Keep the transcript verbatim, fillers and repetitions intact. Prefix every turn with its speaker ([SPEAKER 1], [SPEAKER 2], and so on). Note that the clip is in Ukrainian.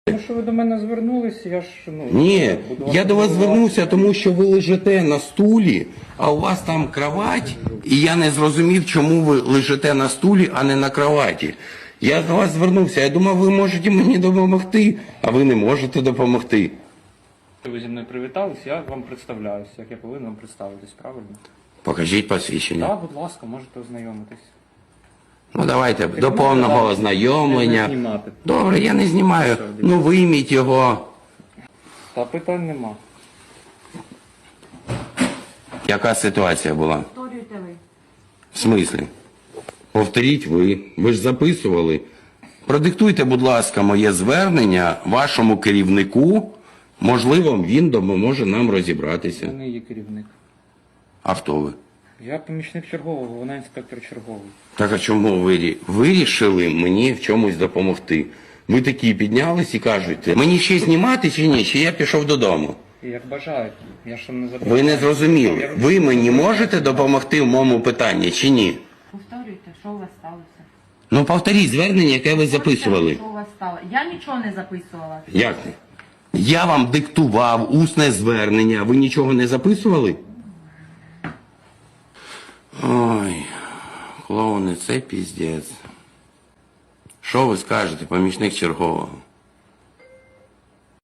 [SPEAKER 1] Тому що ви до мене звернулись, я ж, ну...
[SPEAKER 2] Ні,
[SPEAKER 1] буду
[SPEAKER 2] я до вас
[SPEAKER 1] контролювати.
[SPEAKER 2] звернувся, тому що ви лежите на стулі, а у вас там кровать, і я не зрозумів, чому ви лежите на стулі, а не на кроваті. Я до вас звернувся, я думав, ви можете мені допомогти, а ви не можете допомогти.
[SPEAKER 1] Ви зі мною привітались, я вам представляюсь, як я повинен вам представитись, правильно?
[SPEAKER 2] Покажіть посвідчення.
[SPEAKER 1] Так, будь ласка, можете ознайомитись.
[SPEAKER 2] Ну давайте,
[SPEAKER 1] Так,
[SPEAKER 2] до
[SPEAKER 1] ну,
[SPEAKER 2] повного
[SPEAKER 1] давайте.
[SPEAKER 2] ознайомлення.
[SPEAKER 1] Не знімати.
[SPEAKER 2] Добре, я не знімаю. Ну вийміть його.
[SPEAKER 1] Та питань нема.
[SPEAKER 2] Яка ситуація була?
[SPEAKER 3] Повторюйте ви.
[SPEAKER 2] В смислі? Повторіть ви. Ви ж записували. Продиктуйте, будь ласка, моє звернення вашому керівнику. Можливо, він допоможе нам
[SPEAKER 1] Я
[SPEAKER 2] розібратися.
[SPEAKER 1] не є керівник.
[SPEAKER 2] А хто ви?
[SPEAKER 1] Я помічник чергового, вона інспектор черговий.
[SPEAKER 2] Так а чому ви рі- вирішили мені в чомусь допомогти? Ви такі піднялись і кажете, мені ще знімати чи ні, чи я пішов додому?
[SPEAKER 1] І як бажаєте, я ж вам не забираю.
[SPEAKER 2] Ви не зрозуміли. Ви мені можете допомогти в моєму питанні чи ні?
[SPEAKER 3] Повторюйте, що у вас сталося.
[SPEAKER 2] Ну повторіть звернення, яке ви записували.
[SPEAKER 3] Що у вас сталося? Я нічого не записувала.
[SPEAKER 2] Як? Я вам диктував усне звернення, ви нічого не записували? Ой, клоуни, це піздець. Що ви скажете, помічник чергового?